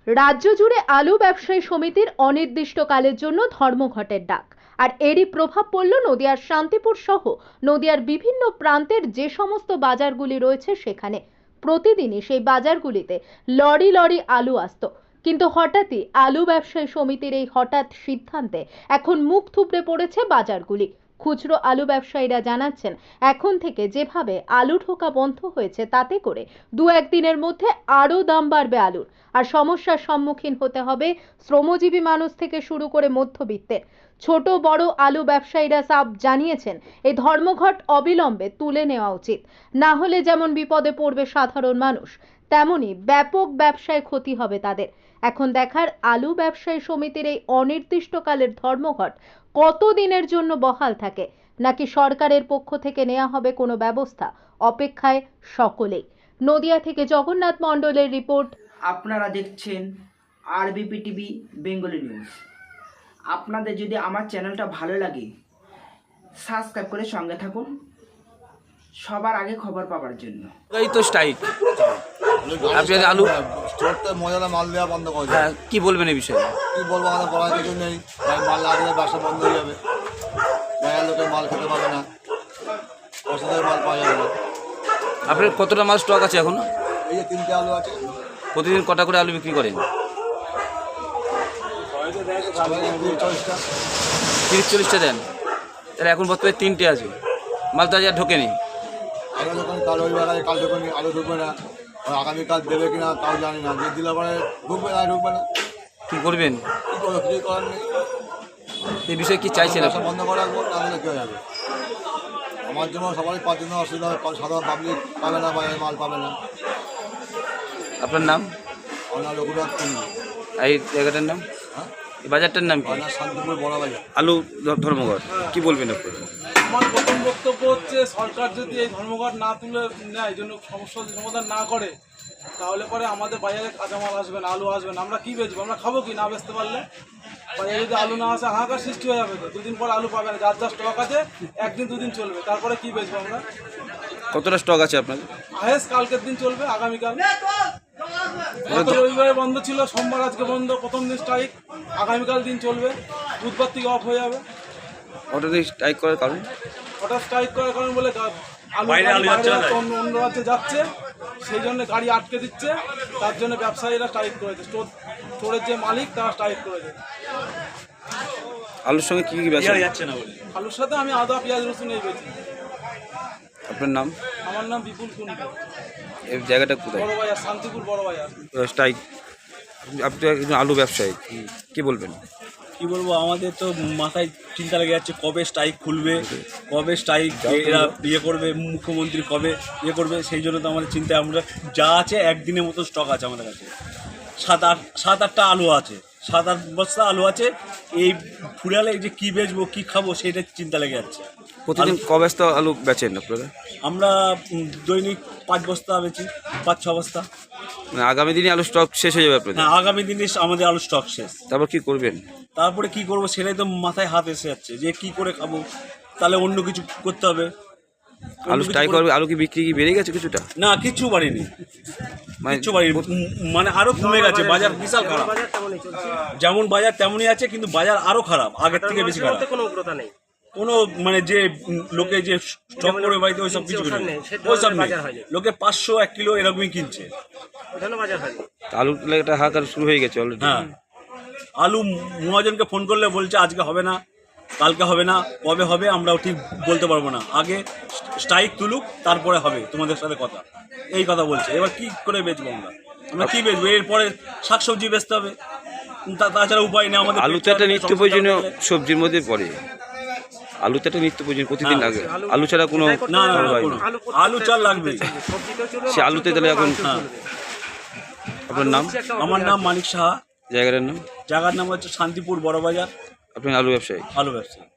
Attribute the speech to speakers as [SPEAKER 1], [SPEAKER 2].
[SPEAKER 1] রাজ্য জুড়ে আলু ব্যবসায়ী সমিতির অনির্দিষ্টকালের জন্য ধর্মঘটের ডাক। আর এরই প্রভাব পড়ল নদিয়ার শান্তিপুর সহ নদিয়ার বিভিন্ন প্রান্তের যে সমস্ত বাজারগুলি রয়েছে সেখানে। প্রতিদিনই সেই বাজারগুলিতে লরি লরি আলু আসতো, কিন্তু হঠাৎই আলু ব্যবসায়ী সমিতির এই হঠাৎ সিদ্ধান্তে এখন মুখ থুবড়ে পড়েছে বাজারগুলি। খুচরো আলু ব্যবসায়ীরা জানাচ্ছেন, এখন থেকে যেভাবে আলু ঢোকা বন্ধ হয়েছে তাতে করে দু একদিনের মধ্যে আরও দাম বাড়বে আলুর। আর সমস্যার সম্মুখীন হতে হবে শ্রমজীবী মানুষ থেকে শুরু করে মধ্যবিত্তের। ছোট বড় আলু ব্যবসায়ীরা সব জানিয়েছেন এই ধর্মঘট অবিলম্বে তুলে নেওয়া উচিত, না হলে যেমন বিপদে পড়বে সাধারণ মানুষ, তেমনি ব্যাপক ব্যবসায় ক্ষতি হবে তাদের। এখন দেখার আলু ব্যবসায়ী সমিতির এই অনির্দিষ্টকালের ধর্মঘট কতদিনের জন্য বহাল থাকে, নাকি সরকারের পক্ষ থেকে নেওয়া হবে কোনো ব্যবস্থা, অপেক্ষায় সকলেই। নদিয়া থেকে জগন্নাথ মণ্ডলের রিপোর্ট।
[SPEAKER 2] আপনারা দেখছেন আরবিপি টিভি বেঙ্গলি নিউজ। আপনাদের যদি আমার চ্যানেলটা ভালো লাগে সাবস্ক্রাইব করে সঙ্গে থাকুন সবার আগে খবর পাওয়ার জন্য।
[SPEAKER 3] এই তো স্ট্রাইক, আপনি আলু
[SPEAKER 4] স্টোরতে মজাদা মাল দেওয়া বন্ধ করে
[SPEAKER 3] হ্যাঁ, কি বলবেন এই বিষয়ে?
[SPEAKER 4] কি বলবো, আমাদের বলার কিছু নেই। মাল না দিলে ব্যবসা বন্ধ হয়ে যাবে, বাইরের লোকের মাল খেতে পাবে না, ওষুধের মাল পাওয়া যাবে না।
[SPEAKER 3] আপনার কতটা মাল স্টক আছে এখন?
[SPEAKER 4] এই যে 3টে আলু আছে।
[SPEAKER 3] প্রতিদিন কটা করে আলু বিক্রি করেন? 30-40টা দেন, তাহলে এখন বর্তমানে 3টে আছে, মাল তো আজ আর ঢোকেনি।
[SPEAKER 4] আগে যখন কাল রবিবার আছে, কাল যখন আলু ঢুকবে না, আগামীকাল দেবে কিনা তাও জানি না। যে দিলে পরে ঢুকবে না, ঢুকবে না,
[SPEAKER 3] কী করবেন?
[SPEAKER 4] কী করবো, কিছু করার নেই।
[SPEAKER 3] এই বিষয়ে কি চাইছেন?
[SPEAKER 4] ব্যবসা বন্ধ করে রাখবো, তাহলে কী হয়ে যাবে? আমার জন্য সবারই পাওয়ার জন্য অসুবিধা হবে, সাধারণ পাবলিক পাবে না, বাইরের মাল পাবে না।
[SPEAKER 3] আপনার নাম?
[SPEAKER 4] আমার রঘুনাথ কুন্ডু।
[SPEAKER 3] এই জায়গাটার নাম,
[SPEAKER 4] হ্যাঁ,
[SPEAKER 3] এই বাজারটার নাম কি?
[SPEAKER 4] আমার শান্তিপুর বড় বাজার।
[SPEAKER 3] আলু ধর্মঘট, কি বলবেন আপনারা?
[SPEAKER 5] আমার প্রথম বক্তব্য হচ্ছে, সরকার যদি এই ধর্মঘট না তুলে নেয়, এই জন্য সমস্যার সমাধান না করে, তাহলে পরে আমাদের বাজারে কাঁচামাল আসবে না, আলু আসবে না। আমরা কী বেচবো? আমরা খাবো কি না বেচতে পারলে? বাজারে যদি আলু না আসে হাহাকার সৃষ্টি হয়ে যাবে। তো দুদিন পর আলু পাবে না, যার যা স্টক আছে একদিন দুদিন চলবে, তারপরে কী বেচবো আমরা?
[SPEAKER 3] কতটা স্টক আছে আপনাদের?
[SPEAKER 5] আহেস কালকের দিন চলবে, আগামীকাল। গত রবিবারে বন্ধ ছিল, সোমবার আজকে বন্ধ, প্রথম দিন স্ট্রাইক, আগামীকাল দিন চলবে, বুধবার থেকে অফ হয়ে যাবে।
[SPEAKER 3] হঠাৎ স্ট্রাইক করার কারণ?
[SPEAKER 5] হঠাৎ স্ট্রাইক করার কারণ বলে অন্য রাজ্যে যাচ্ছে, সেই জন্য গাড়ি আটকে দিচ্ছে, তার জন্য ব্যবসায়ীরা স্ট্রাইক করেছে। স্টোরের যে মালিক তারা স্ট্রাইক করেছে।
[SPEAKER 3] আলুর সঙ্গে কী কী ব্যবসা যাচ্ছে না বলে?
[SPEAKER 5] আলুর সাথে আমি আদা পেঁয়াজ রসুন এই বেচি।
[SPEAKER 3] আপনার নাম?
[SPEAKER 5] আমার নাম বিপুল কুন্ডু।
[SPEAKER 3] এই জায়গাটা কোথায়?
[SPEAKER 5] বড় বাজার, শান্তিপুর বড় বাজার।
[SPEAKER 3] স্ট্রাইক, আপনি একজন আলু ব্যবসায়ী, কি বলবেন?
[SPEAKER 6] কি বলবো, আমাদের তো মাথায় চিন্তা লেগে যাচ্ছে কবে স্ট্রাইক খুলবে, কবে স্ট্রাইক এরা ইয়ে করবে, মুখ্যমন্ত্রী কবে ইয়ে করবে। সেই জন্য তো আমাদের চিন্তায়, আমরা যা আছে একদিনের মতো স্টক আছে আমাদের কাছে। 7-8টা আলু আছে, 7-8 বস্তা আলু আছে। এই ফুরালে যে কী বেচবো, কী খাবো, সেইটা চিন্তা লেগে যাচ্ছে।
[SPEAKER 3] প্রতিদিন ক বস্তা আলু বেচেন আপনারা?
[SPEAKER 6] আমরা দৈনিক 5 বস্তা বেচি, 5-6 বস্তা।
[SPEAKER 3] মানে আগামী দিনে আলু স্টক শেষ হয়ে যাবে আপনাদের?
[SPEAKER 6] হ্যাঁ, আগামী দিনে আমাদের আলু স্টক শেষ।
[SPEAKER 3] তারপর কি করবেন?
[SPEAKER 6] তারপরে কি করবো সেটাই তো মাথায় হাত এসে যাচ্ছে, যে কি করে খাবো। তাহলে অন্য কিছু করতে হবে।
[SPEAKER 3] আলু স্ট্রাইক করবে, আলু কি বিক্রি কি বেড়ে গেছে কিছুটা?
[SPEAKER 6] না, কিচ্ছু বাড়েনি, কিচ্ছু বাড়েনি, মানে আরো কমে গেছে। বাজার বিশাল খারাপ, যেমন বাজার তেমনই আছে, কিন্তু বাজার আরো খারাপ, আগের থেকে বেশি খারাপ। কোনো মানে যে লোকে যে স্টক করে বাড়িতে ওইসব কিছু নেই, ওইসব নেই। লোকে 500-1 কিলো এরকমই কিনছে।
[SPEAKER 3] আলুর একটা হাহাকার শুরু হয়ে গেছে অলরেডি।
[SPEAKER 6] হ্যাঁ, আলু মহাজনকে ফোন করলে বলছে আজকে হবে না, কালকে হবে না, কবে হবে আমরাও ঠিক বলতে পারবো না, আগে স্ট্রাইক তুলুক তারপরে হবে তোমাদের সাথে কথা, এই কথা বলছে। এবার কি করে বেচবো আমরা কি বেচবো? এরপরে শাকসবজি বেচতে হবে, তাছাড়া উপায় নেই আমাদের।
[SPEAKER 3] আলু তো একটা নিত্য প্রয়োজনীয় সবজির মধ্যে পড়ে, আলু তো একটা নিত্য প্রয়োজন, প্রতিদিন লাগে। আলু ছাড়া কোনো
[SPEAKER 6] না, আলু চাল লাগবে।
[SPEAKER 3] সে আলুতে তাহলে এখন আপনার নাম?
[SPEAKER 6] আমার নাম মানিক সাহা।
[SPEAKER 3] জায়গাটার নাম?
[SPEAKER 6] জায়গার নাম হচ্ছে শান্তিপুর বড় বাজার।
[SPEAKER 3] আপনি আলু ব্যবসায়ী?
[SPEAKER 6] আলু ব্যবসায়ী।